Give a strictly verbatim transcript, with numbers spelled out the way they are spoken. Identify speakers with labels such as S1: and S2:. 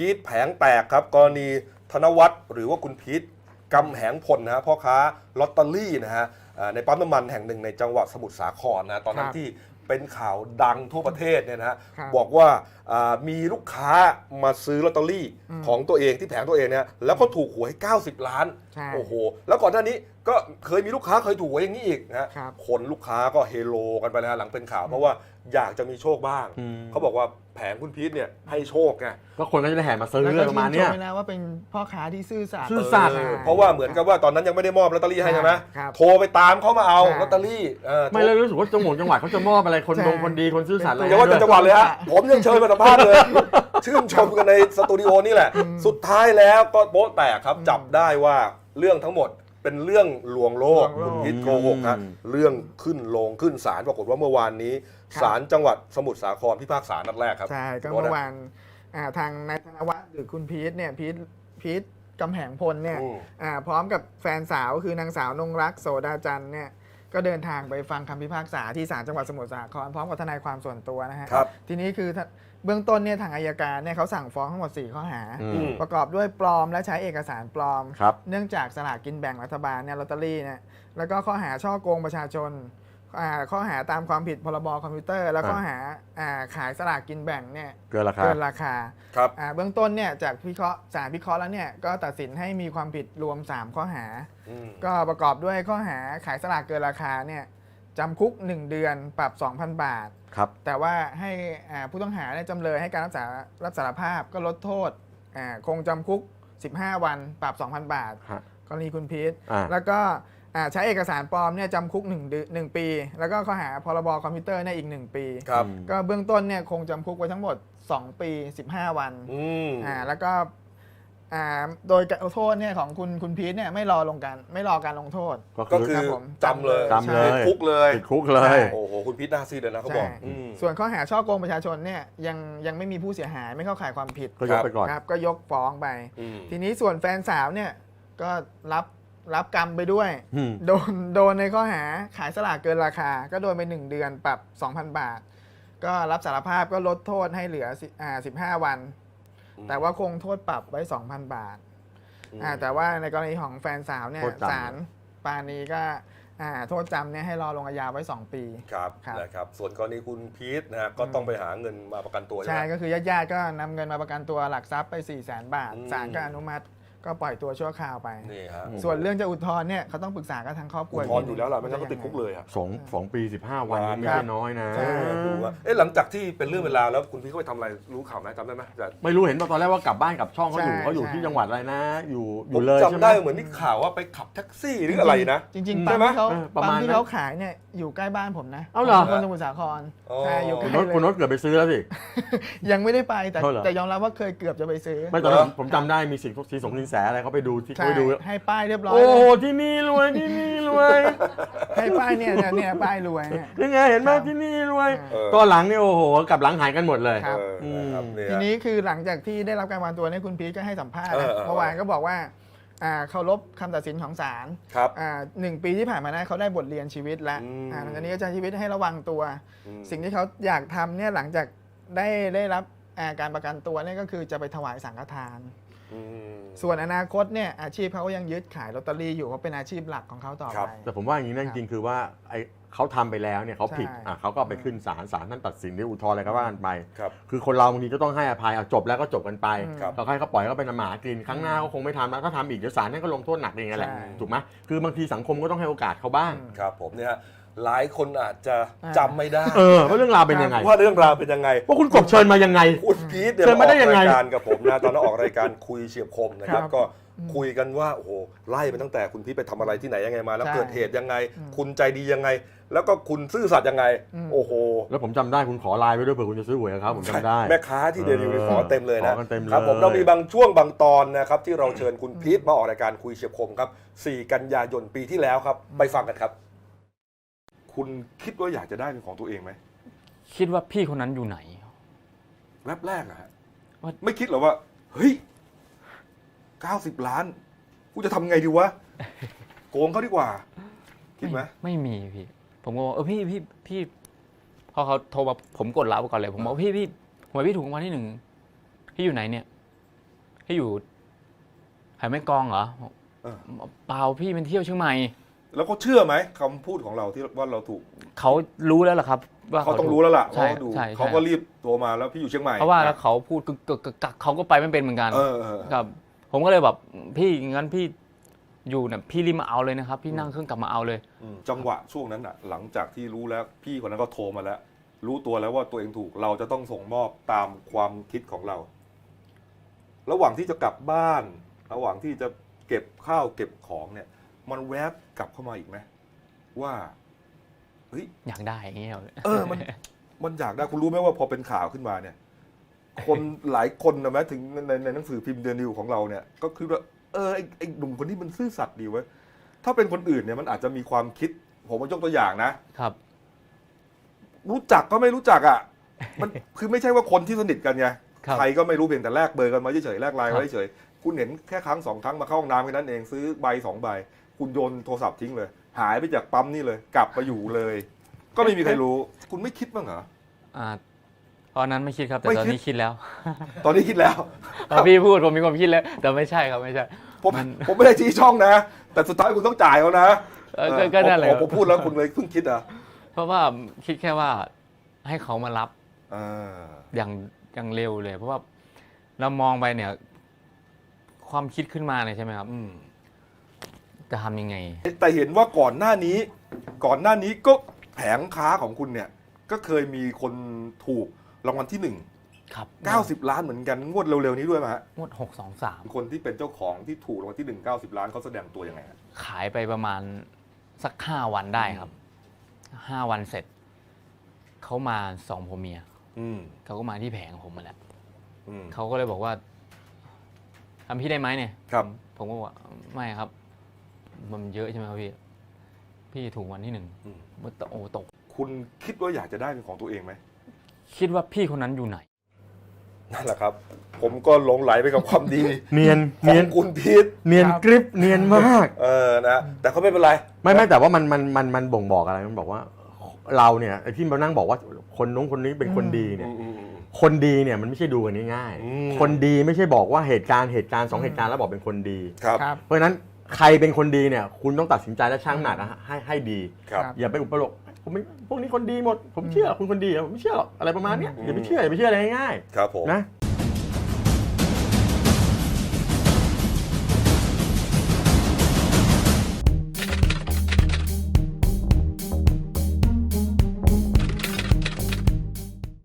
S1: พีทแผงแตกครับกรณีธนวัฒน์หรือว่าคุณพีทกำแหงพลนะฮะพ่อค้าลอตเตอรี่นะฮะในปั๊มน้ำมันแห่งหนึ่งในจังหวัดสมุทรสาครนะตอนนั้นที่เป็นข่าวดังทั่วประเทศเนี่ยนะฮะบอกว่ามีลูกค้ามาซื้อลอตเตอรี่ของตัวเองที่แผงตัวเองเนี่ยแล้วก็ถูกหวยเก้าสิบล้านโอ้โหแล้วก่อนหน้านี้ก็เคยมีลูกค้าเคยถูกหวยอย่างนี้อีกนะฮะคนลูกค้าก็เฮโลกันไปนะหลังเป็นข่าวเพราะว่าอยากจะมีโชคบ้างเขาบอกว่าแผงคุณพีทเนี่ยให้โชคไง
S2: ก็คนก็จะได้แห่มาซื้อเรื่องประมาณนี้
S3: นะว่าเป็นพ่อค้าที่ซื่อสัตย์
S2: ซื่อสัตย์
S1: เพราะว่าเหมือนกับว่าตอนนั้นยังไม่ได้มอบลอตเตอรี่ให้ใช่ไหมโทรไปตามเขามาเอาลอตเตอรี่
S2: ไม่เลยรู้สึกว่าจังหวัดจังหวัดเขาจะมอบอะไรคนดงคนดีคนซื่อสัตย์อะไร
S1: อย่าว่าแต่จังหวัดเลยฮะผมยังเชิญมาสัมภาษณ์เลยชื่นชมกันในสตูดิโอนี่แหละสุดท้ายแล้วก็โป๊ะแตกครับจับได้ว่าเรื่องทั้งหมดเป็นเรื่องลวงโลกคุณพีทโกหกฮะเรื่องขึ้นลงขึ้นศาลปรากฏว่าเมื่อวานนี้ศาลจังหวัดสมุทรสาครพิพากษานัดแรกครับ
S3: ใช่ก็เมื่อวานทางนายธนวัฒน์หรือคุณพีทเนี่ยพีทพีทกำแหงพลเนี่ยพร้อมกับแฟนสาวคือนางสาวนงรักโสดาจันทร์เนี่ยก็เดินทางไปฟังคำพิพากษาที่ศาลจังหวัดสมุทรสาครพร้อมกับทนายความส่วนตัวนะฮะทีนี้คือเบื้องต้นเนี่ยทางอัยการเนี่ยเขาสั่งฟ้องทั้งหมดสี่ข้อหาประกอบด้วยปลอมและใช้เอกสารปลอมเนื่องจากสลากกินแบ่งรัฐบาลเนี่ยลอตเตอรี่เนี่ยแล้วก็ข้อหาช่อโกงประชาชนข้อหาตามความผิดพรบคอมพิวเตอร์แล้วข้อหาขายสลากกินแบ่งเนี่ย
S2: เกินราคา
S3: เกินราคาครับเบื้องต้นเนี่ยจากพิเคราะห์ศาลพิเคราะห์แล้วเนี่ยก็ตัดสินให้มีความผิดรวมสามข้อหาก็ประกอบด้วยข้อหาขายสลากเกินราคาเนี่ยจำคุกหนึ่งเดือนปรับ สองพัน บาท
S2: ครับ
S3: แต่ว่าให้ผู้ต้องหาเนี่ยจำเลยให้การรับสารรับสารภาพก็ลดโทษคงจำคุกสิบห้าวันปรับ สองพัน บาทกรณีคุณพีทแล้วก็ใช้เอกสารปลอมเนี่ยจำคุกหนึ่ง หนึ่งปีแล้วก็ข้อหาพรบคอมพิวเตอร์เนี่ยอีกหนึ่งปีก็เบื้องต้นเนี่ยคงจำคุกไว้ทั้งหมดสองปีสิบห้าวันอ่าแล้วก็โดยโทษเนี่ยของคุณคุณพีทเนี่ยไม่รอลงการไม่รอการลงโทษ
S1: ก็คือจำเลย
S2: จำเลย
S1: คุกเลย
S2: คุกเลย
S1: โอ้โหคุณพีทน่าซีดเลยนะเขาบอก
S3: ส่วนข้อหาช่อโกงประชาชนเนี่ยยังยังไม่มีผู้เสียหายไม่เข้าข่ายความผิด
S2: ก็ยกไปก่อน
S3: ครับก็ยกฟ้องไปทีนี้ส่วนแฟนสาวเนี่ยก็รับรับกรรมไปด้วยโดนโดนในข้อหาขายสลากเกินราคาก็โดนไปหนึ่งเดือนปรับ สองพัน บาทก็รับสารภาพก็ลดโทษให้เหลืออ่าสิบห้าวันแต่ว่าคงโทษปรับไว้ สองพัน บาทแต่ว่าในกรณีของแฟนสาวเนี่ยศาลปานีก็โทษจำเนี่ยให้รอลงอาญาไว้สองปี
S1: ครับนะครับส่วนกรณีคุณพีทนะฮะก็ต้องไปหาเงินมาประกันตัว
S3: ใช่ก็คือญาติๆก็นำเงินมาประกันตัวหลักทรัพย์ไป สี่แสน บาทศาลก็อนุมัติก็ปล่อยตัวชั่วคราวไป
S1: นี่ฮะ
S3: ส่วนเรื่องจะอุทธรณ์เนี่ยเขาต้องปรึกษากับทางครอบครัว
S1: อุทธรณ์อยู่แล้วล่ะไม่งั้นก็ติดคุกเลยอ่ะ
S2: สองสองปีสิบห้าวันไม่ใช่น้อยนะ
S1: ดูว่าเอ๊ะหลังจากที่เป็นเรื่องเวลาแล้วคุณพี่เขาไปทำอะไรรู้ข่าวไหมจำได้ไหม
S2: ไม่รู้เห็นตอนแรกว่ากลับบ้านกับช่องเขาอยู่เขาอยู่ที่จังหวัดอะไรนะอยู่อยู่เลย
S1: จำได้เหมือนมีข่าวว่าไปขับแท็กซี่หรืออะไรนะ
S3: จริงๆปั๊มที่เขาปั๊มที่เขาขายเนี่ยอยู่ใกล้บ้านผมนะ
S2: เอาเหรอ
S3: คนสมุทรสาคร
S2: ใช่อยู่ใกล้เลยคุณนศเกือบไปซื้อแล้วสิ
S3: ยังไม่ได้ไปแต่แต่ยอมรับว่าเคยเกือบจะไปซื้อ
S2: ไม่ตอนนั้นผมจำได้มีสิ่งสีสงสินแสอะไรเขาไปดูที่เขาไปดู
S3: ให้ป้ายเรียบร้อย
S2: โอ้ที่นี่รวยที่นี่รวย
S3: ให้ป้ายเนี่ยเนี่ยป้ายรวย
S2: ยังไงเห็นไหมที่นี่รวยก็หลังนี่โอ้โหกับหลังหายกันหมดเลย
S3: ทีนี้คือหลังจากที่ได้รับการวางตัวเนี่ยคุณพีทก็ให้สัมภาษณ์เมื่อวานก็บอกว่าเคารพคำตัดสินของศาลหนึ่งปีที่ผ่านมานะเขาได้บทเรียนชีวิตแล้วหลังจากนี้ก็จะชีวิตให้ระวังตัวสิ่งที่เขาอยากทำเนี่ยหลังจากได้ได้รับการประกันตัวเนี่ยก็คือจะไปถวายสังฆทานส่วนอนาคตเนี่ยอาชีพเขาก็ยังยึดขายลอตเตอรี่อยู่เพราะเป็นอาชีพหลักของเขาต่อไป
S2: แต่ผมว่าอย่างนี้นั่นจริงคือว่าไอเขาทำไปแล้วเนี่ยเขาผิดอ่ะเขาก็ไปขึ้นศาลศาลท่านตัดสินได้อุทธรณ์อะไรก็ว่ากันไปคือคนเราบางทีก็ต้องให้อภัยเอาจบแล้วก็จบกันไปเราให้เขาปล่อยเขาเป็นหมากินครั้งหน้าเขาคงไม่ทำแล้วถ้าทำอีกเดี๋ยวศาลนั่นก็ลงโทษหนักเองแหละถูกไหมคือบางทีสังคมก็ต้องให้โอกาสเขาบ้าง
S1: ครับผมเนี่ยหลายคนอาจจะจำไม่ได้
S2: เออว่าเรื่องราวเป็นยังไง
S1: ว่าเรื่องราวเป็นยังไง
S2: ว่าคุณกบเชิญมายังไง
S1: คุณพีทเดี๋ยวมาออกรายการกับผมนะตอนนั้นออกรายการคุยเฉียบคมนะครับก็คุยกันว่าโอ้โหไล่ไปตั้งแต่คุณพีทไปทำอะไรที่ไหนยังไงมาแล้วเกิดเหตุยังไงคุณใจดียังไงแล้วก็คุณซื่อสัตย์ยังไงโอ้โห
S2: แล้วผมจำได้คุณขอไลน์ไปด้วยเผื่อคุณจะซื้อหวยครับผมจำได้
S1: แม่ค้าที่เดลิเวอรี่ขอเต็มเลยนะครับผมเรามีบางช่วงบางตอนนะครับที่เราเชิญคุณพีทมาออกรายการคุยเฉียบคมครับสี่กันยายนปีที่แล้วครับไปฟังกันครับคุณคิดว่าอยากจะได้เป็นของตัวเองไหม
S4: คิดว่าพี่คนนั้นอยู่ไหน
S1: แวบแรกอะไม่คิดหรอว่าเฮ้ยเก้าสิบล้านกูจะทำไงดีวะโกงเขาดีกว่าคิดไหม
S4: ไม่มีพี่ผมก็บอกเออพี่พี่พี่พอเขาโทรมาผมกดรับก่อนเลยผมบอกพี่พี่ทำไมพี่ถูกรางวัลที่หนึ่งพี่อยู่ไหนเนี่ยพี่อยู่หายแม่กลองเหรอ
S1: เออ
S4: เปล่าพี่เป็นเที่ยวเชียงใหม่
S1: แล้วเขาเชื่อไหมคำพูดของเราที่ว่าเราถูก
S4: เขารู้แล้วล่ะครับว่า
S1: เขาต้องรู้แล้วล่ะ
S4: ใช่
S1: เขาดู
S4: ใช่
S1: เขาก็รีบโทรมาแล้วพี่อยู่เชียงใหม่
S4: เพราะว่าแล้วเขาพูดกึกกึกกึกกักเขาก็ไปไม่เป็นเหมือนกัน
S1: เออเออเออ
S4: ครับ ผมก็เลยแบบพี่งั้นพี่อยู่เนี่ยพี่รีบมาเอาเลยนะครับ พี่นั่งเครื่องกลับมาเอาเลย
S1: อืมจังหวะช่วงนั้นอ่ะ หลังจากที่รู้แล้วพี่คนนั้นก็โทรมาแล้ว รู้ตัวแล้วว่าตัวเองถูกเราจะต้องส่งมอบตามความคิดของเรา ระหว่างที่จะกลับบ้าน ระหว่างที่จะเก็บข้าวเก็บของเนี่ย มันแวบกลับเข้ามาอีกไหมว่าเฮ้ย
S4: อยากได้อย่างเงี้ย
S1: เออมันมันอยากได้คุณรู้ไหมว่าพอเป็นข่าวขึ้นมาเนี่ย คนหลายคนนะแม้ถึงในในหนังสือพิมพ์เดนิวของเราเนี่ย ก็คือว่าเออไอ้ไอ้หนุ่มคนนี้มันซื่อสัตย์ดีเว้ยถ้าเป็นคนอื่นเนี่ยมันอาจจะมีความคิด ผมมายกตัวอย่างนะ
S4: ครับ
S1: รู้จักก็ไม่รู้จักอ่ะ มันคือไม่ใช่ว่าคนที่สนิทกันไง
S4: ครับ
S1: ใครก็ไม่รู้เพียงแต่แลกเบอร์กันมาเฉยๆแลกไลน์
S4: ครับ
S1: ไว้เฉยๆคุณเห็นแค่ครั้งสองครั้งมาเข้าห้องน้ำแค่นั้นเองซื้อใบสองใบ คุณโยนโทรศัพท์ทิ้งเลย หายไปจากปั๊มนี่เลย กลับมาอยู่เลย ก็ไม่มีใครรู้ คุณไม่คิดบ้างเหรอ
S4: อ่าตอนนั้นไม่คิดครับ แต่
S1: ไม่
S4: ตอน
S1: คิด
S4: นี้คิดแล้ว
S1: ตอนนี้คิดแล้ว
S4: ตอนพี่พูดผมมีความคิดแล้ว แต่ไม่ใช่ครับไม่ใช่
S1: ผม
S4: มัน
S1: ผมไม่ได้ชี้ช่องนะ แต่สุดท้ายคุณต้องจ่ายเขานะ
S4: เออก็ก็นั่นแหละ
S1: ผมผมพูดแล้วคุณเลยเพิ่งคิดอ่ะ
S4: เพราะว่าคิดแค่ว่าให้เขามารับ
S1: อ่า
S4: อย่างอย่างเร็วเลย เพราะว่าเรามองไปเนี่ย ความคิดขึ้นมาเนี่ยใช่ไหมครับ
S1: อืม
S4: จะทำยังไง
S1: แต่เห็นว่าก่อนหน้านี้ ก่อนหน้านี้ก็แผงค้าของคุณเนี่ย ก็เคยมีคนถูกรางวัลที่หนึ่ง
S4: ครับ
S1: เก้าสิบล้านเหมือนกันงวดเร็วๆนี้ด้วยไหมฮะ
S4: งวดหกสองสาม
S1: คนที่เป็นเจ้าของที่ถูกรางวัลที่หนึ่งเก้าสิบล้านเขาแสดงตัวยังไงฮะ
S4: ขายไปประมาณสักห้าวันได้ครับห้าวันเสร็จ เขามาสองผัวเมีย
S1: อืม
S4: เขาก็มาที่แผงผมมาแหละ
S1: อืม
S4: เขาก็เลยบอกว่าทำพี่ได้ไหมเนี่ย
S1: ครับ
S4: ผมก็บอกว่าไม่ครับ มันเยอะใช่ไหมครับพี่ พี่ถูกวันที่หนึ่ง
S1: อืม
S4: มันโอ้ตก
S1: คุณคิดว่าอยากจะได้เป็นของตัวเองไหม
S4: คิดว่าพี่คนนั้นอยู่ไหน
S1: นั่นแหละครับ ผมก็หลงไหลไปกับความดี
S2: เนียน
S1: ขอ
S2: เนียน
S1: งคุณพีท
S2: เนียนกริบเนียนมาก
S1: เออนะแต่เขาไม่เป็นไร
S2: ไม่ไม่แต่ว่ามันมันมันมันบ่งบอกอะไรมันบอกว่าเราเนี่ยไอ้ที่มานั่งบอกว่าคนนู้นคนนี้เป็นคนดีเนี่ย
S1: อืมอืมอืม
S2: คนดีเนี่ยมันไม่ใช่ดูกันง่าย
S1: อืม
S2: ๆคนดีไม่ใช่บอกว่าเหตุการณ์เหตุการณ์สองเหตุการณ์แล้วบอกเป็นคนดี
S1: ครับ
S3: ครับ
S2: เพราะฉะนั้นใครเป็นคนดีเนี่ยคุณต้องตัดสินใจและชั่งน้ำหนักนะให้ให้ดี
S1: ครับ
S2: อย่าไปอุปโลกผมไม่พวกนี้คนดีหมด ผมเชื่อคุณคนดีอะผมไม่เชื่อหรอกอะไรประมาณเนี้ยอย่าไปเชื่ออย่าไปเชื่ออะไรง่าย
S1: ครับผม
S2: ๆนะ